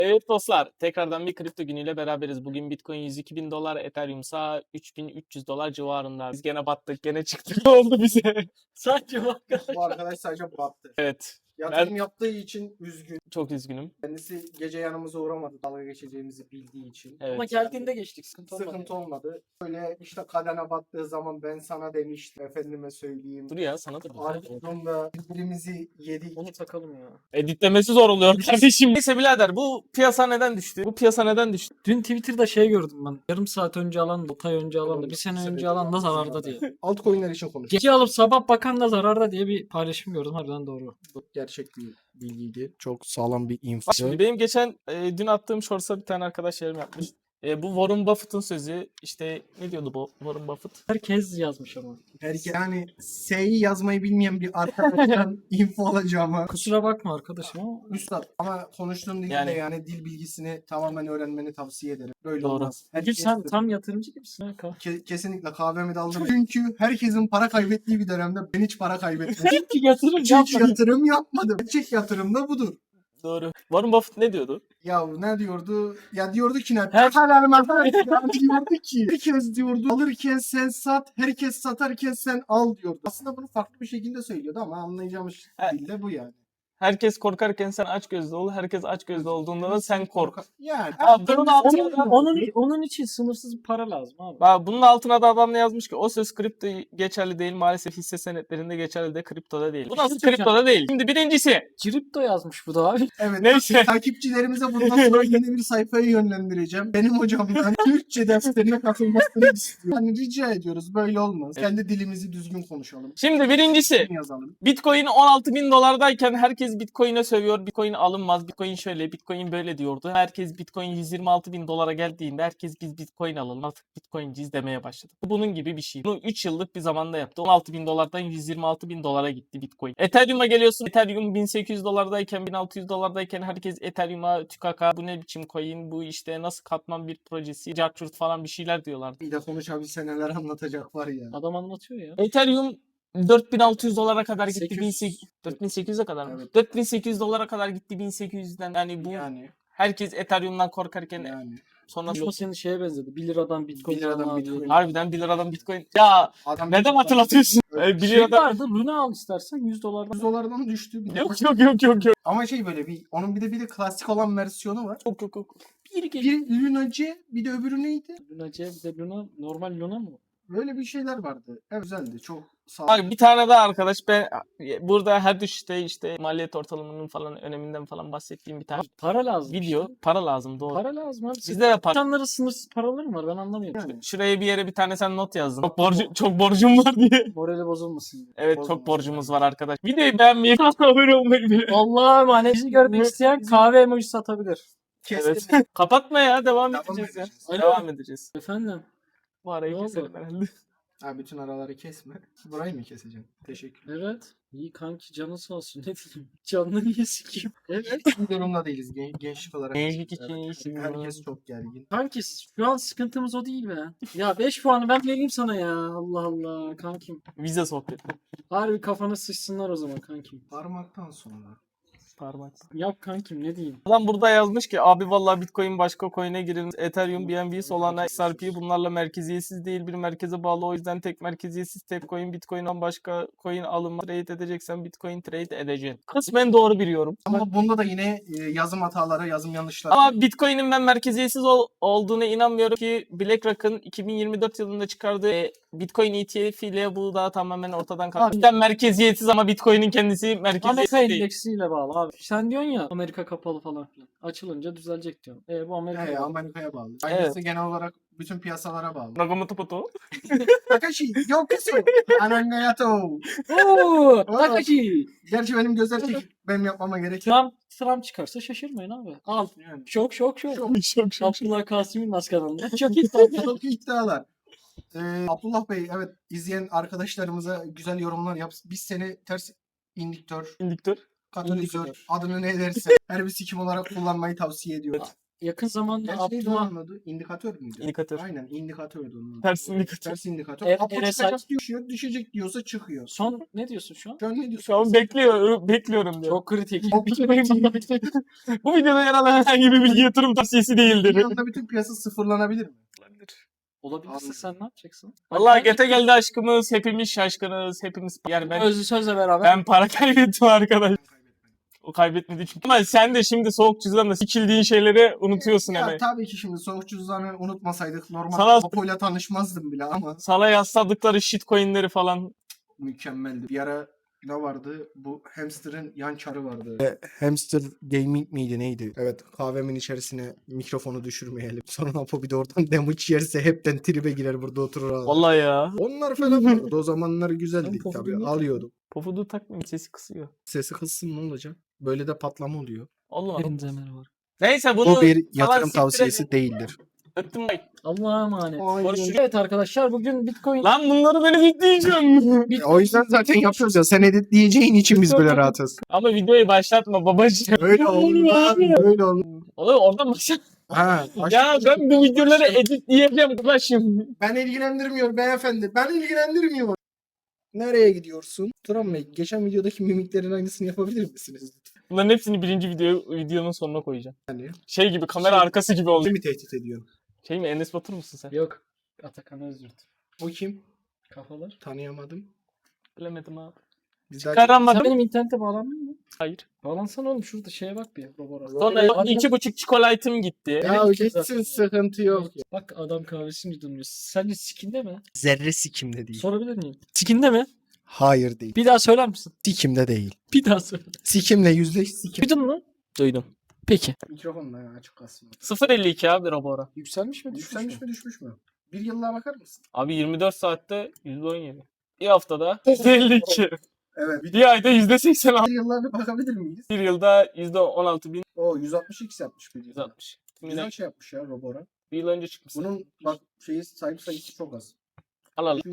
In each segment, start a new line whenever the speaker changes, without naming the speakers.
Evet dostlar, tekrardan bir kripto günüyle beraberiz. Bugün Bitcoin 102 bin dolar, Ethereum ise 3300 dolar civarında. Biz gene battık, gene çıktık. Ne oldu bize? Sadece bu arkadaş.
Bu arkadaş sadece battı.
Evet,
Yatırım yaptığı için üzgün.
çok üzgünüm.
Kendisi gece yanımıza uğramadı dalga geçeceğimizi bildiği için.
Evet.
Ama geldiğinde geçtik. Sıkıntı olmadı.
Sıkıntı olmadı. Böyle işte kadene battığı zaman ben sana demiştim. Efendime söyleyeyim.
Dur ya, sana da bir.
Ardından birbirimizi yedik.
Onu takalım ya.
Editlemesi zor oluyor kardeşim. Neyse birader, bu piyasa neden düştü? Bu piyasa neden düştü?
Dün Twitter'da şey gördüm ben. Yarım saat önce alan da, 6 ay önce alan da, bir sene önce alan da zararda diye.
Altcoin'ler için konuş.
Gece alıp sabah bakan da zararda diye bir paylaşım gördüm. Harbiden doğru.
Çok gerçek bir bilgiydi. Çok sağlam bir info.
Bak şimdi benim geçen dün attığım shorts'a bir tane arkadaş yorum yapmış. Bu Warren Buffett'ın sözü, işte ne diyordu bu Warren Buffett?
Herkes yazmış ama.
Yani S'yi yazmayı bilmeyen bir arkadaştan info alacağıma.
Kusura bakma arkadaşım ama
Üstad ama konuştuğun dilde
Yani-
yani dil bilgisini tamamen öğrenmeni tavsiye ederim. Böyle
Doğru.
olmaz.
Bugün sen tam yatırımcı gibisin. Ha,
Kesinlikle kahvemi de aldım. Çünkü herkesin para kaybettiği bir dönemde ben hiç para kaybetmedim.
Çünkü yatırım
Hiç
yapmadın.
yatırım yapmadım. Gerçek yatırım da budur.
Doğru. Warren Buffett ne diyordu?
Ya ne diyordu? Ya diyordu ki ne?
Her-
Diyordu ki herkes diyordu alırken sen sat, herkes satarken sen al diyordu. Aslında bunu farklı bir şekilde söylüyordu ama anlayacağımız
Evet.
dilde bu yani.
Herkes korkarken sen açgözlü ol. Herkes açgözlü olduğunda da sen kork.
Yani.
Ha, bunun altına
Onun için sınırsız bir para lazım abi.
Bak, bunun altına da adam ne yazmış ki? O söz kripto geçerli değil. Maalesef hisse senetlerinde geçerli de kriptoda değil. Bu nasıl kriptoda değil? Şimdi birincisi.
Kripto yazmış bu da abi.
Evet.
Neyse.
Takipçilerimize bundan sonra yeni bir sayfayı yönlendireceğim. Benim hocamdan Türkçe derslerine katılmasını istiyorum. Hani rica ediyoruz böyle olmaz.
Evet.
Kendi dilimizi düzgün konuşalım.
Şimdi birincisi.
Yazalım.
Bitcoin 16 bin dolardayken herkes Bitcoin'e sövüyor. Bitcoin alınmaz. Bitcoin şöyle, Bitcoin böyle diyordu. Herkes Bitcoin 126 bin dolara geldiğinde herkes biz Bitcoin alalım, artık Bitcoinciyiz demeye başladı. Bunun gibi bir şey. Bunu 3 yıllık bir zamanda yaptı. 16 bin dolardan 126 bin dolara gitti Bitcoin. Ethereum'a geliyorsun. Ethereum 1800 dolardayken, 1600 dolardayken herkes Ethereum'a tükaka, bu ne biçim coin, bu işte nasıl katman bir projesi, Jackfruit falan bir şeyler diyorlardı.
Bir de konuşabilse neler anlatacak var ya.
Adam anlatıyor ya.
Ethereum 4600 dolara kadar gitti.
800.
4800'e kadar mı?
Evet.
4800 dolara kadar gitti 1800'den. Yani bu
Yani.
herkes Ethereum'dan korkarken
Yani.
sonra
Konuşma senin şeye benzedi. 1 liradan Bitcoin
1 liradan
alma abi.
Bitcoin.
harbiden 1 liradan Bitcoin. Ya
Adam
neden hatırlatıyorsun? 1
Şey
liradan.
vardı. Luna al istersen 100 dolardan.
100 dolardan düştü. Bir de.
Yok.
Ama şey böyle bir onun bir de klasik olan versiyonu var.
Yok.
Bir geliyor.
Bir Luna C, bir de öbürü neydi?
Luna C bir de Luna. Normal Luna mı?
Böyle bir şeyler vardı. Evet, güzeldi. Çok sağ ol.
Bak bir tane daha arkadaş, ben burada her düşüşte işte maliyet ortalamanın falan öneminden falan bahsettiğim bir tane
Para lazım
video.
işte.
Para lazım, doğru.
Para lazım abi.
Bizde de para.
İnsanların sınırsız paraları mı var? Ben anlamıyorum.
Yani.
Şuraya bir yere bir tane sen not yazdın. Çok borcum var diye.
Morali bozulmasın diye.
Evet,
Bozulmasın
çok borcumuz
yani.
var arkadaş. Videoyu beğenmeyi, abone olmayı unutmayın.
Allah'a emanet. Bizi görmek isteyen kahve emoji satabilir.
Kestim.
Evet. Kapatma ya, devam
Devam
edeceğiz ya.
edeceğiz.
Öyle
Devam edeceğiz.
Efendim.
Bu arayı
Ne oldu?
keselim herhalde.
Ha, bütün araları kesme. Burayı mı keseceğim? Teşekkür.
Evet. İyi kanki canın sağ olsun. Ne diyeyim? Canını niye sikeyim? Evet.
Bu durumda değiliz gençlik olarak.
Gençlik için
Evet.
iyisin.
Herkes çok gergin.
Kanki şu an sıkıntımız o değil be. Ya 5 puanı ben vereyim sana ya. Allah Allah kankim.
Vize sohbeti.
Harbi kafana sıçsınlar o zaman kankim.
Parmaktan sonra.
Parmak.
Yap kankim ne diyeyim.
Adam burada yazmış ki abi vallahi Bitcoin başka coin'e girilmiş. Ethereum, BNB, Solana, XRP bunlarla merkeziyetsiz değil, bir merkeze bağlı. O yüzden tek merkeziyetsiz tek coin. Bitcoin'den başka coin alınma. Trade edeceksen Bitcoin trade edeceksin. Kısmen doğru bir yorum.
Ama bunda da yine yazım hataları, yazım yanlışları.
Ama Bitcoin'in ben merkeziyetsiz olduğuna inanmıyorum ki BlackRock'ın 2024 yılında çıkardığı Bitcoin ETF ile bu da tamamen ortadan kalktı. Cidden merkeziyetsiz ama Bitcoin'in kendisi
Amerika
merkeziyetsiz değil.
endeksiyle bağlı abi. Sen diyorsun ya Amerika kapalı falan filan. Açılınca düzelecek diyorsun. Bu Amerika'ya bağlı.
Amerika'ya bağlı. Aynısı genel olarak bütün piyasalara bağlı.
Nakamoto Poto.
Takashi, yokusu. Anangayato.
Oo, Takashi.
Gerçi benim gözler çekik. Benim yapmama gerek yok.
Trump çıkarsa şaşırmayın abi. Al.
Yani.
Şok.
Şok.
Abdullah Kasım'ın maskanında. Çok iddialı.
Çok iddialar. Abdullah Bey, evet, izleyen arkadaşlarımıza güzel yorumlar yap. Biz seni ters indüktör,
İndüktör.
katalizör,
İndüktör.
adını ne derse her bir sikim olarak kullanmayı tavsiye ediyoruz.
yakın zamanda
Gerçi neydi
Abdullah
onun adı? İndikatör müydü?
İndikatör.
Aynen indikatördü onun adı.
Ters indikatör.
Ters indikatör.
Er-
Apo
RSI
çıkacak diyor, düşecek diyorsa çıkıyor.
son ne diyorsun şu an?
Şu an ne diyorsun?
Şu an bekliyorum diyor.
Çok kritik.
Bu videoda yer alan herhangi bir bilgi yatırım tavsiyesi değildir.
Bir anda bütün piyasa sıfırlanabilir mi?
Olabilirse
Anladım.
sen ne yapacaksın?
Vallahi gete geldi aşkımız. Hepimiz şaşkınız. Hepimiz yani
Özlü sözle beraber.
ben para kaybettim arkadaş. O kaybetmedi çünkü. Ama sen de şimdi soğuk cüzdanla sikildiğin şeyleri unutuyorsun
Ya
hemen.
tabii ki şimdi soğuk cüzdanı unutmasaydık normal
Sana-
Apo'yla tanışmazdım bile ama
Sana yasladıkları shitcoinleri falan.
mükemmeldi. Bir ara ne vardı? Bu hamsterın yan çarı vardı. Hamster gaming miydi neydi? Evet, kahvemin içerisine mikrofonu düşürmeyelim. Sonra Apo bir de oradan damage yerse hepten tribe girer, burada oturur ağlar.
Vallahi ya.
Onlar falan vardı. O zamanlar güzeldi
Ben Pofud'u
tabii.
niye
Alıyordum.
Pofuduğu takmayın sesi kısıyor.
Sesi kıssın ne olacak? Böyle de patlama oluyor.
Allah Allah.
Hepinize merhaba.
Neyse bunu
Bu bir
falan
yatırım
siktir
tavsiyesi
edin.
değildir.
Öptüm bay.
Allah'a emanet.
Aynen.
Görüşürüz. Evet arkadaşlar bugün Bitcoin
Lan bunları ben editleyeceğim.
O yüzden zaten yapıyoruz ya. Sen editleyeceğin için biz böyle rahatız.
Ama videoyu başlatma babacığım.
Öyle olmaz. Öyle olmaz.
Oğlum oradan başlat.
Ha,
Ya ben bu videoları editleyeceğim babacığım.
Ben ilgilendirmiyor beyefendi. Ben ilgilendirmiyor. Nereye gidiyorsun? Turan Bey, geçen videodaki mimiklerin aynısını yapabilir misiniz?
Bunların hepsini birinci videonun sonuna koyacağım.
Yani
Şey gibi kamera arkası gibi oldu.
kimi tehdit ediyorsun?
Şey mi Enes Batur musun sen?
yok. Atakan Özyurt.
O kim?
Kafalar.
Tanıyamadım.
Bilemedim abi.
Biz daha
Sen
Çıkaramadım.
benim internete bağlandın mı?
Hayır.
Bağlansana oğlum şurada şeye bak bir. Robora.
Sonra 2,5 çikolatim gitti.
Ya
Benim
gitsin,
zaten.
sıkıntı yok.
Bak adam kahvesi mi durmuyor? Sence skinde mi?
Zerre sikimde değil.
Sorabilir miyim? Skinde mi?
Hayır değil.
Bir daha söyler misin?
Sikimde değil.
Bir daha söyle.
Sikimle yüzleş sikim.
Duydun mu?
Duydum.
Peki.
Mikrofonla ya, açık kalsın.
0.52 abi Robora.
Yükselmiş mi?
Yükselmiş mi düşmüş mü? Bir yıllığa bakar mısın?
Abi 24 saatte %17. Bir haftada %52.
Evet. Bir
Bir ayda %86.
yıllığa bir bakabilir miyiz?
Bir yılda %16.160.
O 162x yapmış bir yılda. Güzel
Bir
şey yapmış ya Robora.
yıl önce çıkmış.
Bunun bak sahip sayısı çok az.
Al al.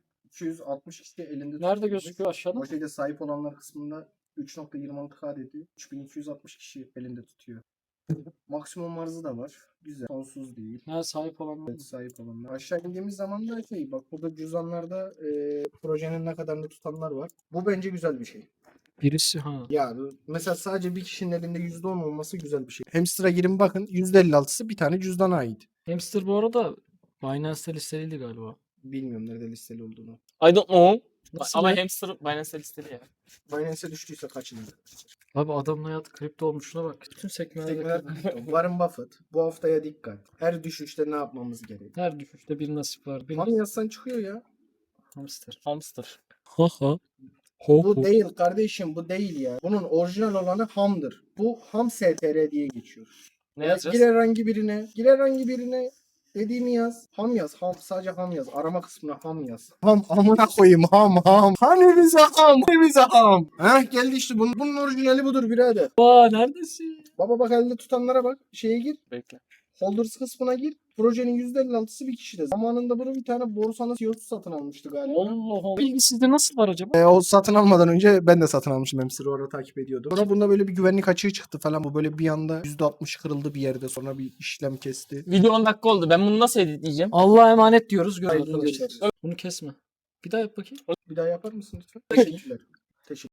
3260 kişi elinde
Nerede
tutulmuş.
gözüküyor aşağıda?
O şeyde sahip olanlar kısmında 3.26K dedi. 3260 kişi elinde tutuyor. Maksimum arzı da var. Güzel. Sonsuz değil.
Ha sahip olan.
Evet, sahip olanlar. Aşağı indiğimiz zaman da bak burada cüzdanlarda projenin ne kadarını tutanlar var. Bu bence güzel bir şey.
Birisi ha.
Ya mesela sadece bir kişinin elinde %10 olması güzel bir şey. Hamster'a girin bakın, %56'sı bir tane cüzdana ait.
Hamster bu arada Binance'te listeliydi galiba.
Bilmiyorum nerede listeli olduğunu.
I don't know.
Nasıl
Ama
ya?
hamster Binance'e listeli ya.
Binance'e düştüyse kaçınız?
Abi adamın hayatı kripto olmuş şuna bak. Bütün sekmelerde
Tekrar
kripto.
Warren Buffett. Bu haftaya dikkat. Her düşüşte ne yapmamız gerek?
Her düşüşte bir nasip var. Bir
Ham yazsan çıkıyor ya.
hamster.
Hamster.
Ha ha.
Bu değil kardeşim, bu değil ya. Bunun orijinal olanı hamdır. Bu ham STR diye geçiyor.
Ne
Ya
yazacağız?
gir herhangi birine dediğimi yaz. Ham yaz. Ham, sadece ham yaz. Arama kısmına ham yaz. Ham amına koyayım, ham. Hani bize ham? Hani bize ham? Heh, geldi işte bunun orijinali budur birader.
Aa neredesin?
Baba bak, elde tutanlara bak. Şeye gir.
Bekle.
Holders kısmına gir. Projenin %56'sı bir kişide. Zamanında bunu bir tane borsanın CEO'su satın almıştı galiba.
Allah Allah. Bilgi sizde nasıl var acaba?
O satın almadan önce ben de satın almıştım. Hamster'ı orada takip ediyordum. Sonra bunda böyle bir güvenlik açığı çıktı falan. Bu böyle bir anda %60 kırıldı bir yerde. Sonra bir işlem kesti.
Video 10 dakika oldu. Ben bunu nasıl editleyeceğim?
Allah'a emanet diyoruz.
Hayırlı
Görüşürüz.
geceler.
Bunu kesme. Bir daha yap bakayım.
Bir daha yapar mısın lütfen? Teşekkürler.